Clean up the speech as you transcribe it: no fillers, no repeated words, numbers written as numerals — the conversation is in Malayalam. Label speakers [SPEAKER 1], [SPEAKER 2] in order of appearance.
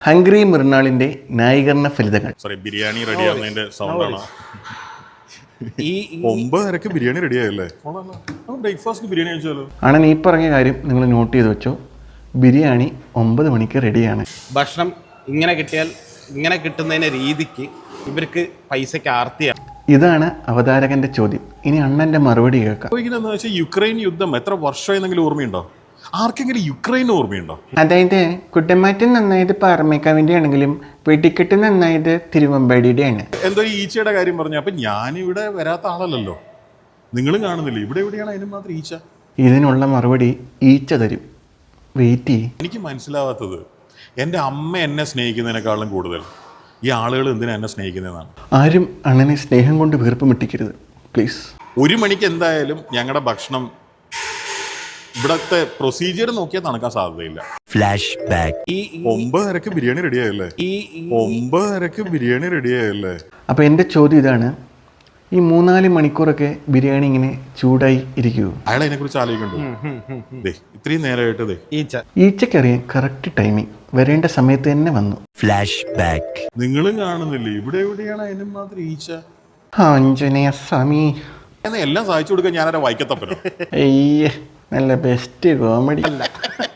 [SPEAKER 1] ഹംഗ്രി മൃണാളിന്റെ ന്യായീകരണ ഫലിതങ്ങൾ.
[SPEAKER 2] സോറി, ബിരിയാണി റെഡി ആവുന്നതിന്റെ സൗണ്ടാണ്. 9:30 ബിരിയാണി റെഡി ആയല്ലേ? ബ്രേക്ക്ഫാസ്റ്റ് ബിരിയാണി കഴിച്ചാലോ?
[SPEAKER 1] ആണെന്ന് ഈ പറഞ്ഞ കാര്യം നിങ്ങൾ നോട്ട് ചെയ്ത് വെച്ചോ. ബിരിയാണി 9 മണിക്ക് റെഡിയാണ്.
[SPEAKER 3] ഭക്ഷണം ഇങ്ങനെ കിട്ടിയാൽ ഇങ്ങനെ കിട്ടുന്നതിന്റെ രീതിക്ക് ഇവർക്ക് പൈസക്ക് ആർത്തിയാണ്.
[SPEAKER 1] ഇതാണ് അവതാരകന്റെ ചോദ്യം. ഇനി അണ്ണന്റെ മറുപടി കേൾക്കാം.
[SPEAKER 2] ചോദിക്കുന്നത് വെച്ചാൽ യുക്രൈൻ യുദ്ധം എത്ര വർഷമായെന്നെങ്കിലും ഓർമ്മയുണ്ടോ? ആർക്കെങ്കിലും യുക്രൈൻ ഓർമ്മയുണ്ടോ?
[SPEAKER 1] അതായത് കുട്ടമാറ്റം നന്നായത് പാറമേക്കാവിന്റെ ആണെങ്കിലും വെടിക്കെട്ട് നന്നായത് തിരുവമ്പാടിയുടെ ആണ്.
[SPEAKER 2] എന്തോ ഈച്ചയുടെ കാര്യം പറഞ്ഞു. അപ്പൊ ഞാനിവിടെ വരാത്ത ആളല്ലല്ലോ, നിങ്ങളും കാണുന്നില്ല. ഇവിടെ എവിടെയാണ് അതിന് മാത്രം ഈച്ച?
[SPEAKER 1] ഇതിനുള്ള മറുപടി ഈച്ച തരും. വെയിറ്റ് ചെയ്യ്.
[SPEAKER 2] എനിക്ക് മനസ്സിലാവാത്തത്, എൻ്റെ അമ്മ എന്നെ സ്നേഹിക്കുന്നതിനേക്കാളും കൂടുതൽ ഈ ആളുകൾ എന്തിനാ എന്നെ സ്നേഹിക്കുന്നതെന്നാണ്.
[SPEAKER 1] ആരും അണ്ണനെ സ്നേഹം കൊണ്ട് വീർപ്പ് മുട്ടിക്കരുത് പ്ലീസ്.
[SPEAKER 2] 1 മണിക്ക് എന്തായാലും ഞങ്ങളുടെ ഭക്ഷണം ഇവിടത്തെ പ്രൊസീജിയർ നോക്കിയാൽ നടക്കാൻ സാധ്യതയില്ല.
[SPEAKER 4] Flash back.
[SPEAKER 2] 9:30 ബിരിയാണി റെഡി ആയല്ലേ? 9:30 ബിരിയാണി റെഡി ആയല്ലേ?
[SPEAKER 1] അപ്പോൾ എൻ്റെ ചോദ്യം ഇതാണ്, ഈ 3-4 മണിക്കൂറൊക്കെ ബിരിയാണി ഇങ്ങനെ ചൂടായി ഇരിക്കുമോ?
[SPEAKER 2] അയാൾ അതിനെക്കുറിച്ച് ആലോചിക്കണ്ടോ? ഇത്രയും നേരമായിട്ട്
[SPEAKER 1] ഈച്ചക്കറിയാൻ കറക്റ്റ് ടൈമിങ് വരേണ്ട സമയത്ത് തന്നെ വന്നു.
[SPEAKER 4] Flash back.
[SPEAKER 2] നിങ്ങളും കാണുന്നില്ലേ ഇവിടെ എവിടെയാണ് അതിന് മാത്രം ഈച്ച?
[SPEAKER 1] ആഞ്ജനേയ സ്വാമി
[SPEAKER 2] എല്ലാം സഹായിച്ചു കൊടുക്കാൻ ഞാനൊരു വൈക്കത്തപ്പനോ?
[SPEAKER 1] അയ്യേ, നല്ല ബെസ്റ്റ് കോമഡി.